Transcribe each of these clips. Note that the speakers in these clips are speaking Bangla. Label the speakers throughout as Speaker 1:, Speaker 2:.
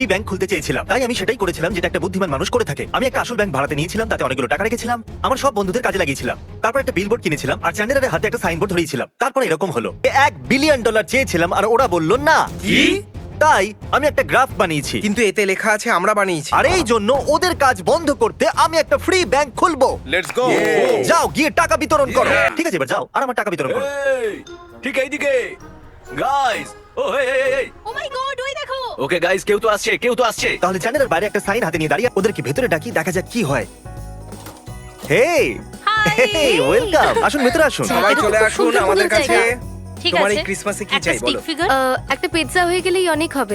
Speaker 1: ব্যাংক খুলতে চেয়েছিলাম, তাই আমি সেটাই করেছিলাম যেটা একটা বুদ্ধিমান মানুষ করে থাকে। আমি একটা আসল ব্যাংক ভাড়াতে নিয়েছিলাম, তাতে অনেকগুলো টাকা রেখেছিলাম, আমার সব বন্ধুদের কাজে লাগিয়েছিলাম। তারপর একটা বিলবোর্ড কিনেছিলাম আর চ্যান্ডেলারের হাতে একটা সাইনবোর্ড ধরিয়েছিলাম। তারপর এরকম হলো, $1 বিলিয়ন চেয়েছিলাম আর ওরা বলল না।
Speaker 2: কি?
Speaker 1: তাই আমি একটা গ্রাফ বানিয়েছি,
Speaker 3: কিন্তু এতে লেখা আছে আমরা বানিয়েছি।
Speaker 1: আর এই জন্য ওদের কাজ বন্ধ করতে আমি একটা ফ্রি ব্যাংক খুলবো।
Speaker 2: Let's go.
Speaker 1: যাও গিয়ে টাকা বিতরণ করো। ঠিক আছে, এবার যাও আর আমার টাকা বিতরণ করো।
Speaker 4: ঠিক এইদিকে গাইস। ও এই
Speaker 5: ও মাই গড, ওই দেখো।
Speaker 4: ওকে গাইস, কেউ তো আসছে।
Speaker 1: তাহলে চ্যানেলের বাইরে একটা সাইন হাতে নিয়ে দাঁড়িয়ে ওদেরকে ভেতরে ডাকি, দেখা যাক কি হয়। Hey
Speaker 5: hi.
Speaker 1: ওয়েলকাম, আসুন ভেতরে আসুন।
Speaker 3: সবাই চলে
Speaker 5: খুব
Speaker 3: আসুন
Speaker 5: সুন্দর
Speaker 3: আমাদের
Speaker 5: সুন্দর
Speaker 3: কাছে।
Speaker 5: জায়গা। ঠিক
Speaker 3: তোমার
Speaker 5: আছে,
Speaker 3: এই ক্রিসমাসে কি
Speaker 5: একটা
Speaker 3: চাই
Speaker 5: স্টিক
Speaker 3: বলো?
Speaker 5: ফিগার।
Speaker 6: একটা পিৎজা হয়ে গেলেই অনেক হবে।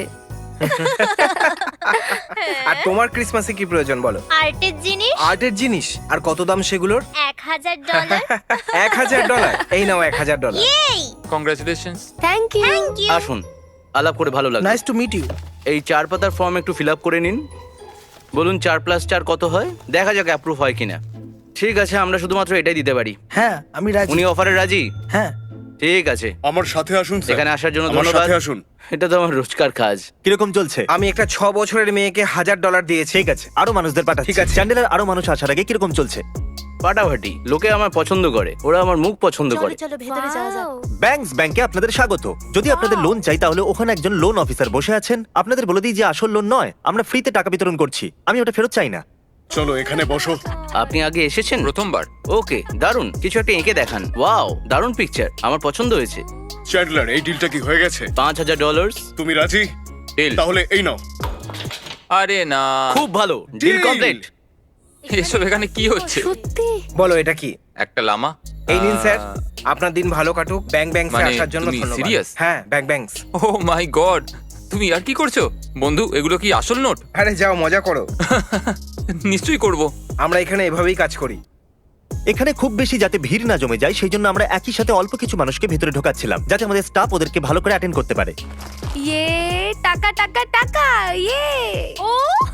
Speaker 3: আর তোমার ক্রিসমাসে কি প্রয়োজন বলো?
Speaker 5: আর্টের জিনিস
Speaker 3: আর্টের জিনিস। আর কত দাম সেগুলোর?
Speaker 5: $1000।
Speaker 3: $1000। এই নাও $1000।
Speaker 5: এই
Speaker 7: congratulations.
Speaker 6: Thank you.
Speaker 5: Thank you.
Speaker 4: আসুন, আলাপ করে ভালো লাগলো।
Speaker 3: Nice to meet you.
Speaker 4: এই 4 পাতার ফর্ম একটু ফিল আপ করে নিন। বলুন 4+4 কত হয়, দেখা যাক অ্যাপ্রুভ হয় কিনা। ঠিক আছে, আমরা শুধুমাত্র এটাই দিতে পারি।
Speaker 3: হ্যাঁ, আমি রাজি।
Speaker 4: উনি অফারে রাজি?
Speaker 3: হ্যাঁ।
Speaker 4: ঠিক আছে,
Speaker 2: আমার সাথে আসুন স্যার।
Speaker 4: এখানে আসার জন্য
Speaker 2: আমার
Speaker 4: ধন্যবাদ।
Speaker 2: সাথে আসুন।
Speaker 4: এটা তো আমার রোজকার কাজ।
Speaker 1: কিরকম চলছে?
Speaker 3: আমি একটা 6 বছরের মেয়েকে $1000 দিয়েছি।
Speaker 1: ঠিক আছে, আরো মানুষদের পাঠাচ্ছি।
Speaker 3: ঠিক আছে।
Speaker 1: চ্যান্ডেলার আরো মানুষ আসার আগে কিরকম চলছে?
Speaker 4: ফাটাফাটি, লোকে আমার পছন্দ করে, ওরা আমার মুখ পছন্দ করে।
Speaker 5: চলো ভেতরে যাওয়া যাক।
Speaker 1: ব্যাংকস ব্যাংকে আপনাদের স্বাগত। যদি আপনাদের লোন চাই তাহলে ওখানে একজন লোন অফিসার বসে আছেন। আপনাদের বলে দিই যে আসল লোন নয়, আমরা ফ্রিতে টাকা বিতরণ করছি। আমি ওটা ফেরত চাই না।
Speaker 2: চলো এখানে বসো।
Speaker 4: আপনি আগে এসেছেন?
Speaker 7: প্রথমবার।
Speaker 4: ওকে, দারুন, কিছু একটা এঁকে দেখান। ওয়াও, দারুন পিকচার, আমার পছন্দ হয়েছে।
Speaker 2: চ্যান্ডলার, এই ডিলটা কি হয়ে গেছে?
Speaker 4: $5000।
Speaker 2: তুমি রাজি?
Speaker 7: ডিল।
Speaker 2: তাহলে এই নাও।
Speaker 7: আরে না,
Speaker 4: খুব ভালো, ডিল
Speaker 2: Deal!
Speaker 4: কমপ্লিট।
Speaker 7: এসব এখানে কি হচ্ছে?
Speaker 6: সত্যি?
Speaker 3: বলো এটা কি?
Speaker 7: একটা লামা।
Speaker 3: এই নিন স্যার, আপনার দিন ভালো কাটুক। ব্যাংক ব্যাংকসে
Speaker 7: মানে
Speaker 3: আসার জন্য
Speaker 7: তুমি
Speaker 3: ধন্যবাদ।
Speaker 7: serious?
Speaker 3: হ্যাঁ, bank banks.
Speaker 7: Oh my god, তুমি আর কি করছো বন্ধু? এগুলো কি আসল নোট?
Speaker 3: আরে যাও মজা করো।
Speaker 7: নিশ্চয়ই করব।
Speaker 3: আমরা এখানে এভাবেই কাজ করি।
Speaker 1: এখানে খুব বেশি যাতে ভিড় না জমে যায় সেই জন্য আমরা একই সাথে অল্প কিছু মানুষকে ভেতরে ঢোকাচ্ছিলাম, যাতে আমাদের স্টাফ ওদেরকে ভালো করে অ্যাটেন্ড করতে পারে।
Speaker 6: ইয়ে, টাকা টাকা টাকা, ইয়ে।
Speaker 5: Oh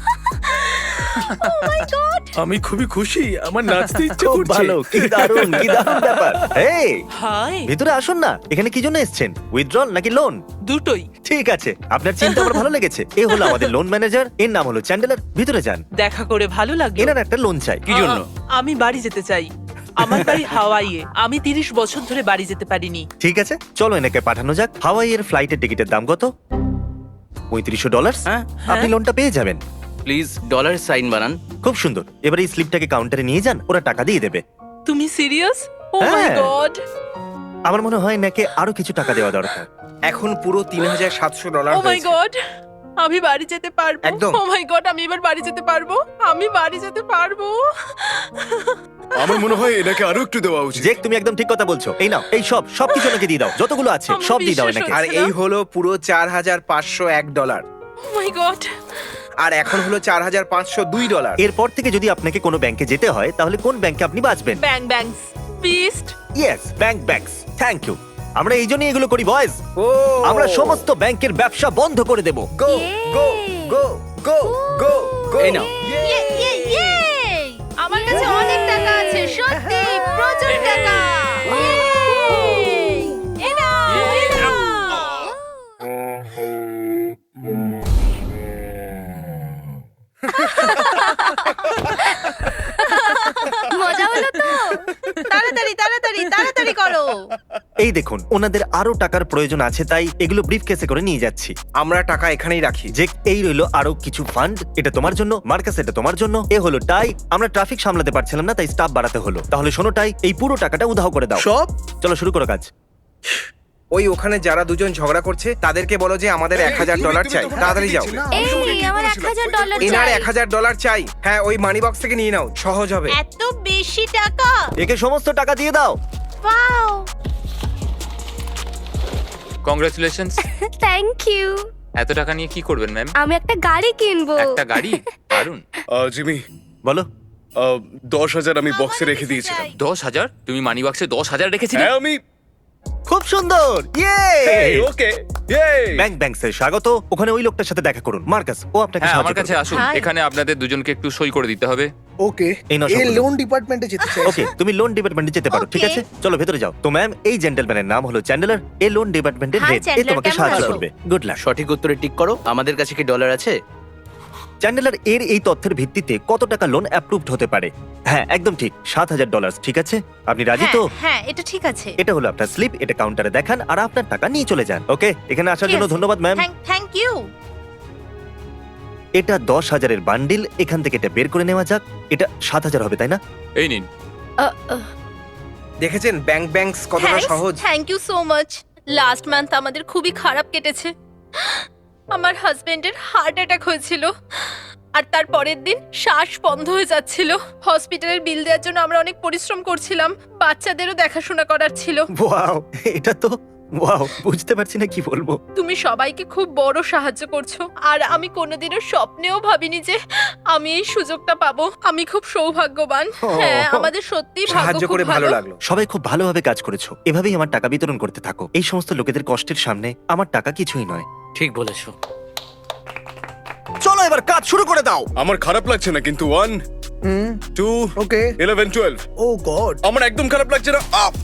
Speaker 5: oh my god.
Speaker 2: আমি খুবই খুশি, আমার নাচতে ইচ্ছে
Speaker 1: খুব ভালো, কি দারুণ ব্যাপার। এই
Speaker 8: হাই,
Speaker 1: ভিতরে আসুন না। এখানে কি জন্য এসেছেন? উইথড্রল নাকি লোন?
Speaker 8: দুটোই।
Speaker 1: ঠিক আছে, আপনার চিন্তা আমার ভালো লেগেছে। এ হলো আমাদের লোন ম্যানেজার, এর নাম হলো চ্যান্ডেলার। ভিতরে যান।
Speaker 8: দেখা করে ভালো লাগলো।
Speaker 1: এনার একটা লোন চাই।
Speaker 4: কি জন্য?
Speaker 8: আমি বাড়ি যেতে চাই। আমার বাড়ি হাওয়াইয়ে। আমি 30 বছর ধরে বাড়ি যেতে পারিনি।
Speaker 1: ঠিক আছে, চলো এনাকে পাঠানো যাক। হাওয়াইয়ের ফ্লাইটের টিকিটের দাম কত? $3500।
Speaker 4: হ্যাঁ,
Speaker 1: আপনি লোনটা পেয়ে যাবেন।
Speaker 4: প্লিজ ডলার সাইন বানান।
Speaker 1: খুব সুন্দর। এবার এই স্লিপটাকে কাউন্টারে নিয়ে যান, ওরা টাকা দিয়ে দেবে।
Speaker 8: তুমি সিরিয়াস? ও মাই
Speaker 1: হ্যাঁ।
Speaker 8: গড।
Speaker 1: আমার মনে হয় নাকি আরো কিছু টাকা দেওয়া দরকার।
Speaker 3: এখন পুরো $3700
Speaker 8: ও মাই
Speaker 3: হয়েছে।
Speaker 8: গড, আমি বাড়ি যেতে পারবো।
Speaker 3: একদম।
Speaker 8: ও মাই গড, আমি এবার বাড়ি যেতে পারবো। আমি বাড়ি যেতে পারবো।
Speaker 2: আমার মনে হয় এটাকে আরো একটু দেওয়া উচিত।
Speaker 1: জেক, তুমি একদম ঠিক কথা বলছো। এই নাও, এই সবকিছু ওনাকে দিয়ে দাও, যতগুলো আছে
Speaker 8: আমার
Speaker 1: সব দিয়ে দাও
Speaker 8: বিশ্বাস
Speaker 1: এনাকে।
Speaker 3: আর
Speaker 8: হচ্ছে
Speaker 3: এই হলো পুরো $4501।
Speaker 8: ও মাই গড।
Speaker 3: আর এখন হলো $4502।
Speaker 1: এরপর থেকে যদি আপনাকে কোনো ব্যাংকে যেতে হয় তাহলে কোন ব্যাংকে আপনি বাঁচবেন?
Speaker 8: Bang bangs Beast.
Speaker 1: Yes, banks. Thank you. আমরা এই জন্যই এগুলো করি বয়েজ।
Speaker 3: ও
Speaker 1: আমরা সমস্ত ব্যাংকের ব্যবসা বন্ধ করে দেব।
Speaker 3: গো গো গো গো গো গো।
Speaker 4: এই নাও।
Speaker 5: ইয়ে ইয়ে ইয়ে। আমার কাছে অনেক টাকা আছে, সত্যি প্রচুর টাকা। এই নাও, এই নাও।
Speaker 6: মজা হলো তো?
Speaker 5: তাড়াতাড়ি তাড়াতাড়ি তাড়াতাড়ি করো।
Speaker 1: এই দেখুন, ওনাদের আরো টাকার প্রয়োজন আছে, তাই এগুলো ব্রিফকেসে করে নিয়ে যাচ্ছি।
Speaker 3: আমরা টাকা এখানেই রাখি।
Speaker 1: যে এই রইলো আরো কিছু ফান্ড, এটা তোমার জন্য। মার্কাস, এটা তোমার জন্য। এ হলো টাই। আমরা ট্রাফিক সামলাতে পারছিলাম না, তাই স্টাফ বাড়াতে হলো। তাহলে শোনো টাই, এই পুরো টাকাটা উধাও করে দাও।
Speaker 3: সব?
Speaker 1: চলো শুরু করো কাজ।
Speaker 3: ওই ওখানে যারা দুজন ঝগড়া করছে তাদেরকে বলো যে আমাদের $1000 চাই। তাড়াতাড়ি যাও।
Speaker 6: এই, আমার $1000
Speaker 3: এনার
Speaker 6: চাই।
Speaker 3: $1000 চাই। হ্যাঁ, ওই মানি বক্স থেকে নিয়ে নাও, সহজ হবে।
Speaker 5: এত বেশি টাকা?
Speaker 1: একে সমস্ত টাকা দিয়ে দাও।
Speaker 5: ওয়াও।
Speaker 7: কংগ্রাচুলেশনস।
Speaker 6: Thank you.
Speaker 7: এত টাকা নিয়ে কি করবেন ম্যাম?
Speaker 6: আমি একটা গাড়ি কিনবো।
Speaker 7: একটা গাড়ি? দারুন।
Speaker 2: জিমি,
Speaker 1: বলো।
Speaker 2: 10,000 আমি বক্সে রেখে দিয়েছিলাম।
Speaker 7: 10,000? তুমি মানি বাক্সে 10,000 রেখেছিলে?
Speaker 2: হ্যাঁ, আমি
Speaker 1: খুব সুন্দর।
Speaker 2: ওকে।
Speaker 1: ব্যাংকসের স্বাগত। ওখানে ওই লোকটার সাথে দেখা করুন, মার্কাস। ও আপনাকে
Speaker 7: হ্যাঁ,
Speaker 1: সাহায্য
Speaker 7: আমার কাছে
Speaker 1: করবে।
Speaker 7: আসুন।
Speaker 5: Hi.
Speaker 7: এখানে আপনাদের দুজনকে একটু সই করে দিতে হবে।
Speaker 9: ওকে,
Speaker 1: এই নাও
Speaker 9: এ
Speaker 1: সবগুলো।
Speaker 9: লোন ডিপার্টমেন্টে যেতে চাই।
Speaker 1: ওকে, তুমি লোন ডিপার্টমেন্টে যেতে পারো। ঠিক
Speaker 5: Okay.
Speaker 1: আছে, চলো ভেতরে যাও। তো ম্যাম, এই জেন্টলম্যানের নাম হলো চ্যান্ডেলার। এই লোন ডিপার্টমেন্টের
Speaker 5: Hi,
Speaker 1: হেড। এ
Speaker 5: Chandler,
Speaker 1: তোমাকে
Speaker 5: কেমন
Speaker 1: সাহায্য
Speaker 5: আছো?
Speaker 1: করবে। Good luck.
Speaker 4: সঠিক উত্তরে টিক করো। আমাদের কাছে কি ডলার আছে?
Speaker 1: চ্যান্ডেলার এর এই তথ্যের ভিত্তিতে কত টাকা লোন অ্যাপ্রুভড হতে পারে? হ্যাঁ, একদম ঠিক, $7,000। ঠিক আছে, আপনি রাজি তো?
Speaker 5: হ্যাঁ, এটা ঠিক আছে।
Speaker 1: এটা হলো আপনার স্লিপ, এটা কাউন্টারে দেখান আর আপনার টাকা নিয়ে চলে যান। ওকে, এখানে আসার জন্য ধন্যবাদ ম্যাম।
Speaker 5: Thank you.
Speaker 1: এটা 10,000-এর বান্ডিল, এখান থেকে এটা বের করে নেওয়া যাক। এটা 7,000 হবে, তাই না?
Speaker 7: এই নিন।
Speaker 3: দেখেছেন ব্যাংকস কতটা সহজ।
Speaker 5: Thank you so much. Last month আমাদের খুবই খারাপ কেটেছে। আমার হাজবেন্ডের হার্ট অ্যাটাক হয়েছিল আর তার পরের দিন শ্বাস বন্ধ হয়ে যাচ্ছিল। হসপিটালের বিল দেওয়ার জন্য আমরা অনেক পরিশ্রম করছিলাম, বাচ্চাদেরও দেখাশোনা করার ছিল।
Speaker 1: ওয়াও, এটা তো ওয়াও, বুঝতে পারছি না কি বলবো।
Speaker 5: তুমি সবাইকে খুব বড় সাহায্য করছো আর আমি কোনোদিনও স্বপ্নেও ভাবিনি যে আমি এই সুযোগটা পাবো। আমি খুব সৌভাগ্যবান। হ্যাঁ, আমাদের সত্যি
Speaker 3: সাহায্য করে ভালো লাগলো।
Speaker 1: সবাই খুব ভালোভাবে কাজ করেছো, এভাবেই আমার টাকা বিতরণ করতে থাকো। এই সমস্ত লোকেদের কষ্টের সামনে আমার টাকা কিছুই নয়।
Speaker 4: ঠিক বলেছো।
Speaker 1: চলো এবার কাজ শুরু করে দাও।
Speaker 2: আমার খারাপ লাগছে না, কিন্তু 1 2
Speaker 9: ওকে
Speaker 2: 11 12
Speaker 9: ও গড
Speaker 2: আমার একদম খারাপ লাগছে না। আপ!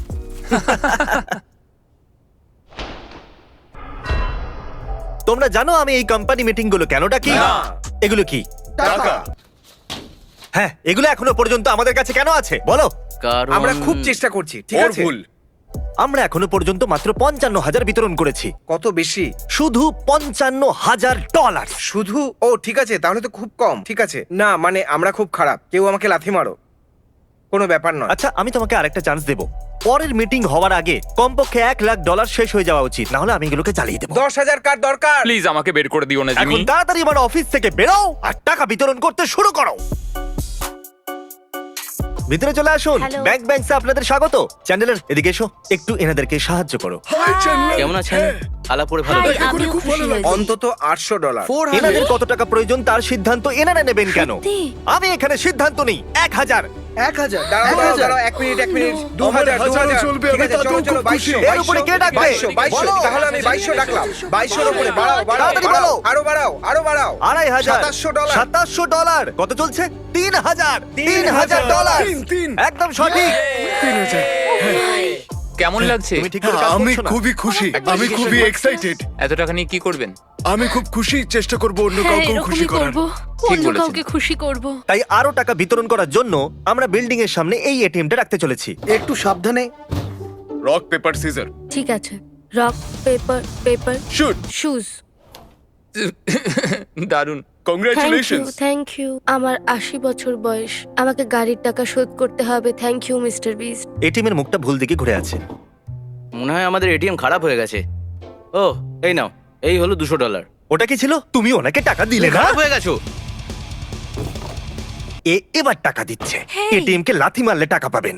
Speaker 1: তোমরা জানো আমি এই কোম্পানি মিটিং গুলো কেন ডাকি?
Speaker 2: না।
Speaker 1: এগুলো কি?
Speaker 2: টাকা।
Speaker 1: হ্যাঁ, এগুলো এখনো পর্যন্ত আমাদের কাছে কেন আছে বলো?
Speaker 4: কারণ
Speaker 3: আমরা খুব চেষ্টা করছি, ঠিক
Speaker 2: ওর
Speaker 3: আছে?
Speaker 2: ভুল।
Speaker 1: আমরা এখনো পর্যন্ত মাত্র 55,000 বিতরণ করেছি,
Speaker 3: কত বেশি?
Speaker 1: শুধু $55,000।
Speaker 3: শুধু? ও ঠিক আছে, তাহলে তো খুব কম। ঠিক আছে, না মানে আমরা খুব খারাপ, কেউ আমাকে লাথি মারো, কোনো ব্যাপার নয়।
Speaker 1: আচ্ছা, আমি তোমাকে আরেকটা চান্স দেব। পরের মিটিং হওয়ার আগে কমপক্ষে $1,00,000 শেষ হয়ে যাওয়া উচিত, না হলে আমি এগুলোকে চালিয়ে দেবো।
Speaker 3: 10,000 কার দরকার?
Speaker 7: প্লিজ আমাকে বের করে দিও না জিমি।
Speaker 1: এখন তাড়াতাড়ি আমার অফিস থেকে বেরো আর টাকা বিতরণ করতে শুরু করো। ভিতরে চলে আসুন।
Speaker 6: Hello.
Speaker 1: ব্যাংকসে আপনাদের স্বাগত। চ্যান্ডেলার, এদিকে এসো, একটু এনাদেরকে সাহায্য করো।
Speaker 2: Hi Chandler.
Speaker 4: কেমন আছেন? আলাপ করে ভালো
Speaker 5: হাই,
Speaker 4: লাগলো।
Speaker 5: আমিও
Speaker 2: খুব ভালো
Speaker 5: খুশি
Speaker 2: লাগলো।
Speaker 5: হয়েছি।
Speaker 3: অন্তত $800।
Speaker 1: এনাদের কত টাকা প্রয়োজন তার সিদ্ধান্ত এনারা নেবেন কেন?
Speaker 6: সত্যি?
Speaker 1: আমি এখানে সিদ্ধান্ত নেই। 1,000।
Speaker 9: 1,000
Speaker 3: দাঁড়াও, 1 মিনিট 2,000
Speaker 2: হাজারও চলবে, আমি
Speaker 3: ঠিক আছে,
Speaker 2: তাতেও
Speaker 3: চলো
Speaker 2: খুব খুশি।
Speaker 3: 2200
Speaker 1: এর উপরে কে ডাকবে?
Speaker 3: 2200
Speaker 1: বলো।
Speaker 3: তাহলে আমি 2200 ডাকলাম। 2200 এর উপরে বাড়াও,
Speaker 1: তাড়াতাড়ি বলো।
Speaker 3: আরো বাড়াও, আরো বাড়াও।
Speaker 1: $2,500।
Speaker 3: $700
Speaker 1: $700 কত চলছে? $3,000।
Speaker 2: তিন।
Speaker 1: একদম সঠিক।
Speaker 2: 3,000।
Speaker 7: কেমন লাগছে?
Speaker 1: তুমি ঠিক করে কাজ
Speaker 2: আমি
Speaker 1: করছো না।
Speaker 2: খুবই খুশি, আমি খুবই এক্সাইটেড।
Speaker 7: এত টাকা নিয়ে কি করবেন?
Speaker 2: আমি খুব খুশি, চেষ্টা করব অন্য
Speaker 5: হ্যাঁ,
Speaker 2: কাউকেও খুশি
Speaker 5: এরকমই
Speaker 2: করার।
Speaker 5: করবো। অন্য
Speaker 7: বলেছেন।
Speaker 5: কাউকে খুশি করব।
Speaker 1: তাই আরো টাকা বিতরণ করার জন্য আমরা বিল্ডিং এর সামনে এই এটিএমটা রাখতে চলেছি।
Speaker 9: একটু সাবধানে।
Speaker 2: রক পেপার সিজার
Speaker 6: ঠিক আছে, rock paper paper
Speaker 2: shoot.
Speaker 6: Shoes.
Speaker 7: দারুণ।
Speaker 2: কংগ্রাচুলেশনস।
Speaker 6: Thank you. আমার 80 বছর বয়স, আমাকে গাড়ির টাকা শোধ করতে হবে। Thank you Mister Beast.
Speaker 1: ATM এর মুখটা ভুল দিকে ঘুরে আছে।
Speaker 4: মনে হয় আমাদের এটিএম খারাপ হয়ে গেছে। ও, এই নাও, এই হলো $200।
Speaker 1: ওটা কি ছিল? তুমি ওনাকে টাকা দিলে না?
Speaker 4: খারাপ হয়ে গেছো।
Speaker 1: এবার টাকা দিচ্ছে। এটিএম কে লাথি মারলে টাকা পাবেন।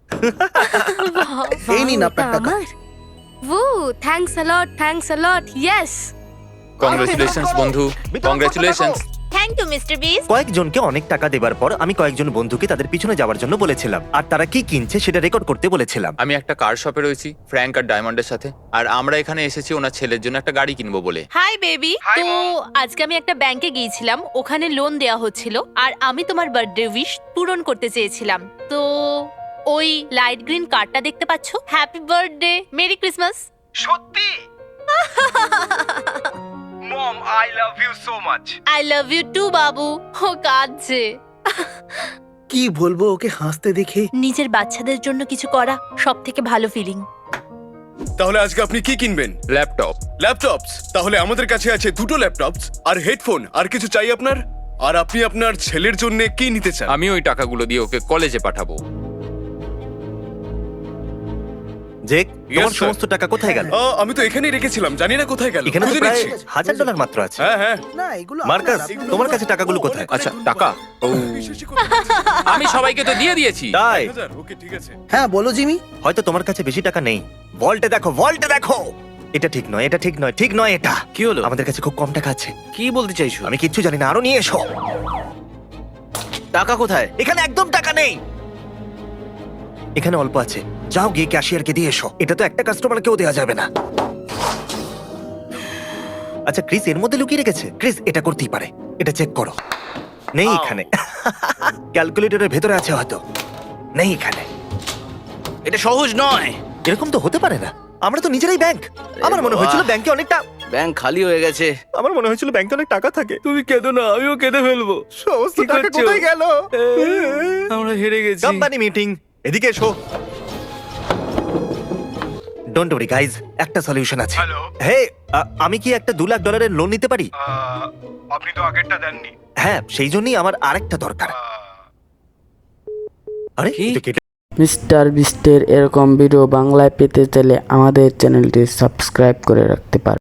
Speaker 9: এই নিন আপনার টাকা।
Speaker 6: আমার ও thanks a lot. Yes.
Speaker 7: Congratulations বন্ধু, congratulations.
Speaker 5: Thank you Mister Beast.
Speaker 1: কয়েকজনকে অনেক টাকা দেবার পর আমি কয়েকজন বন্ধুকে তাদের পিছনে যাওয়ার জন্য বলেছিলাম, আর তারা কি কিনছে সেটা রেকর্ড করতে বলেছিলাম।
Speaker 7: আমি একটা কার শপে রয়েছি ফ্র্যাঙ্ক আর ডায়মন্ডের সাথে, আর আমরা এখানে এসেছি ওনার ছেলের জন্য একটা গাড়ি কিনবো বলে।
Speaker 5: Hi baby. তো আজকে আমি একটা ব্যাংকে গিয়েছিলাম, ওখানে লোন দেয়া হচ্ছিল আর আমি তোমার বার্থডে উইশ পূরণ করতে চেয়েছিলাম। তো ওই লাইট গ্রিন কার্ডটা দেখতে পাচ্ছো? Happy birthday, merry Christmas.
Speaker 3: সত্যি? Mom, I love you so much.
Speaker 5: I love you too বাবু। ও কাঁদছে।
Speaker 9: কি বলবো ওকে হাসতে দেখে।
Speaker 5: নিজের বাচ্চাদের জন্য কিছু করা সব থেকে ভালো ফিলিং।
Speaker 2: তাহলে আজকে আপনি কি কিনবেন?
Speaker 7: ল্যাপটপ।
Speaker 2: ল্যাপটপস? তাহলে আমাদের কাছে আছে 2টো ল্যাপটপস আর হেডফোন। আর কিছু চাই আপনার? আর আপনি আপনার ছেলের জন্য কি নিতে চান?
Speaker 7: আমি ওই টাকাগুলো দিয়ে ওকে কলেজে পাঠাবো।
Speaker 1: জেক, তোমার
Speaker 2: sir.
Speaker 1: সমস্ত টাকা কোথায় গেল?
Speaker 2: আমি তো এখানেই রেখেছিলাম, জানি না কোথায় গেল।
Speaker 1: এখানে তো
Speaker 2: খুঁজে
Speaker 1: প্রায়
Speaker 2: নিচ্ছি।
Speaker 1: $1,000 মাত্র আছে।
Speaker 2: হ্যাঁ হ্যাঁ।
Speaker 9: না এগুলো
Speaker 1: মার্কাস,
Speaker 9: আপনার,
Speaker 1: তোমার কাছে টাকাগুলো কোথায়?
Speaker 7: আচ্ছা, টাকা? ও, আমি সবাইকে তো দিয়ে দিয়েছি।
Speaker 1: তাই?
Speaker 2: ওকে ঠিক আছে।
Speaker 9: হ্যাঁ বলো জিমি।
Speaker 1: হয়তো তোমার কাছে বেশি টাকা নেই। ভল্টে দেখো। এটা ঠিক নয়, ঠিক নয় এটা।
Speaker 4: কি হলো?
Speaker 1: আমাদের কাছে খুব কম টাকা আছে।
Speaker 4: কি বলতে চাইছো?
Speaker 1: আমি কিচ্ছু জানি না, আরো নিয়ে এসো।
Speaker 4: টাকা কোথায়?
Speaker 1: এখানে একদম টাকা নেই। এখানে অল্প আছে, যাও গিয়ে ক্যাশিয়ারকে দিয়ে এসো। এটা তো একটা কাস্টমারকেও দেওয়া যাবে না। আচ্ছা, ক্রিস এর মধ্যে লুকিয়ে রেখেছে। ক্রিস এটা করতেই পারে, এটা চেক করো। নেই এখানে। ক্যালকুলেটরের ভেতরে আছে হয়তো। নেই এখানে।
Speaker 4: এটা সহজ নয়।
Speaker 1: এরকম তো হতে পারে না, আমরা তো নিজেরাই ব্যাংক। আমার মনে হয়েছিল ব্যাংকে অনেকটা
Speaker 4: ব্যাংক খালি হয়ে গেছে।
Speaker 1: আমার মনে হয়েছিল ব্যাংকে অনেক টাকা থাকে।
Speaker 4: তুমি কেঁদো না, আমিও কেঁদে ফেলবো।
Speaker 1: সমস্ত
Speaker 4: কি
Speaker 1: টাকা
Speaker 4: করছো?
Speaker 1: কোথায় গেল?
Speaker 4: আমরা হেরে গেছি।
Speaker 1: কোম্পানি মিটিং, এদিকে এসো। ডোন্ট ওয়ারি গাইজ, একটা সলিউশন আছে। হে, আমি কি একটা $2 লাখ লোন নিতে পারি?
Speaker 3: আপনি তো আগেরটা দেননি।
Speaker 1: হ্যাঁ, সেই জন্যই আমার আরেকটা দরকার। আরে
Speaker 4: কি?
Speaker 1: এটা কেটে-
Speaker 10: মিস্টার বিস্টের এরকম ভিডিও বাংলায় পেতে চাইলে আমাদের চ্যানেলটি সাবস্ক্রাইব করে রাখতে পারেন।